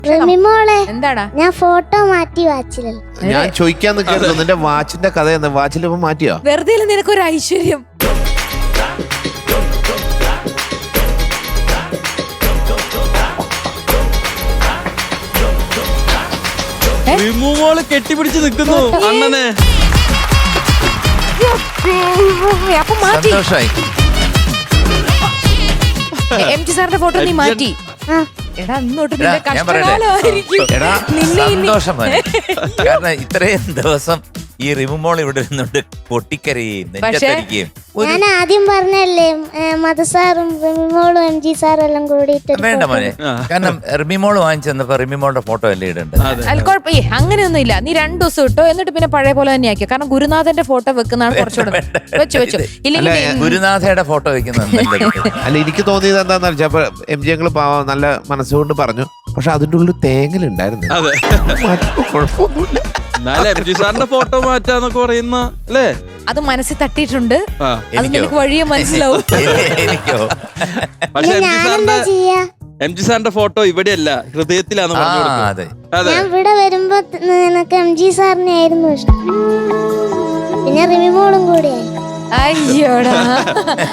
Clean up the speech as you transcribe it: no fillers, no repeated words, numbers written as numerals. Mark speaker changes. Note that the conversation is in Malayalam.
Speaker 1: റിമിമോളെ
Speaker 2: എന്താടാ
Speaker 1: ഞാൻ ഫോട്ടോ മാറ്റി വാച്ചിലല്ലോ.
Speaker 3: ഞാൻ ചോദിക്കാൻ നിൽക്കായിരുന്നു നിന്റെ വാച്ചിന്റെ കഥ എന്ന്. വാച്ചിൽ ഇപ്പൊ മാറ്റിയോ?
Speaker 2: വെറുതെ നിനക്കൊരു ഐശ്വര്യം.
Speaker 4: റിമൂവോള് കെട്ടിപ്പിടിച്ച് നിൽക്കുന്നു അണ്ണനെ.
Speaker 2: അപ്പൊ മാറ്റി
Speaker 3: സന്തോഷായി.
Speaker 2: എം ടി സാറിന്റെ ഫോട്ടോ നീ മാറ്റി. എടാ ഇന്നോട്ട് നിന്റെ
Speaker 5: ഞാൻ പറയട്ടെ
Speaker 2: കഷ്ടകാലമായിരിക്കും.
Speaker 5: എടാ
Speaker 2: നിന്നെ ഇനി-
Speaker 5: സന്തോഷം മോനെ. കാരണം ഇത്രയും ദിവസം ഈ റിമുമോൾ ഇവിടെ ഇരുന്നുകൊണ്ട് പൊട്ടിക്കരയും നെഞ്ചത്തടിക്കുകയും
Speaker 1: ഞാൻ ആദ്യം പറഞ്ഞല്ലേ മധുസാറും റിമിമോളും എം ജി സാറും എല്ലാം കൂടിയിട്ട്
Speaker 5: വേണ്ട മോനെ. കാരണം റിമിമോൾ വാങ്ങിച്ചെന്നപ്പോ റിമിമോളുടെ ഫോട്ടോ അല്ലേ ഇടേണ്ടത്.
Speaker 2: അല്ല കുഴപ്പമില്ല, അങ്ങനെയൊന്നും ഇല്ല. നീ 2 ദിവസം ഇട്ടോ, എന്നിട്ട് പിന്നെ പഴയ പോലെ തന്നെ ആക്കിയോ. കാരണം ഗുരുനാഥന്റെ ഫോട്ടോ വെക്കുന്നതാണ് കുറച്ചുകൂടെ. വെച്ചു ഇല്ലെങ്കിൽ
Speaker 5: ഗുരുനാഥയുടെ ഫോട്ടോ വെക്കുന്നത്
Speaker 3: അല്ല എനിക്ക് തോന്നിയത് എന്താന്ന് വെച്ചാൽ എം ജി ഞങ്ങള് നല്ല മനസ്സുകൊണ്ട് പറഞ്ഞു. പക്ഷെ അതിന്റെ ഉള്ളിൽ തേങ്ങലുണ്ടായിരുന്നു.
Speaker 4: അതെ,
Speaker 3: കുഴപ്പമൊന്നുമില്ല.
Speaker 4: എന്നാലും എം ജി സാറിന്റെ ഫോട്ടോ മാറ്റാന്നൊക്കെ പറയുന്ന അല്ലേ?
Speaker 2: അത് മനസ്സിൽ തട്ടിയിട്ടുണ്ട്.
Speaker 4: ആ.
Speaker 2: അത് നിനക്ക് വഴിയെ മനസ്സിലാവും.
Speaker 5: എനിക്കോ
Speaker 4: പക്ഷെ എം ജി
Speaker 1: ഞാനെന്താ
Speaker 4: സാറിന്റെ
Speaker 1: ചെയ്യാ?
Speaker 4: എം ജി സാറിന്റെ ഫോട്ടോ ഇവിടെയല്ല, ഹൃദയത്തിലാന്ന് പറഞ്ഞു കൊടുക്കുന്നത്.
Speaker 5: അതെ
Speaker 4: അതെ,
Speaker 1: ഞാൻ ഇവിടെ വരുമ്പോ നിനക്ക് എം ജി സാറിനെ ആയിരുന്നു ഇഷ്ടം. പിന്നെ റിമിമോളും കൂടിയായി.
Speaker 2: അയ്യോടാ,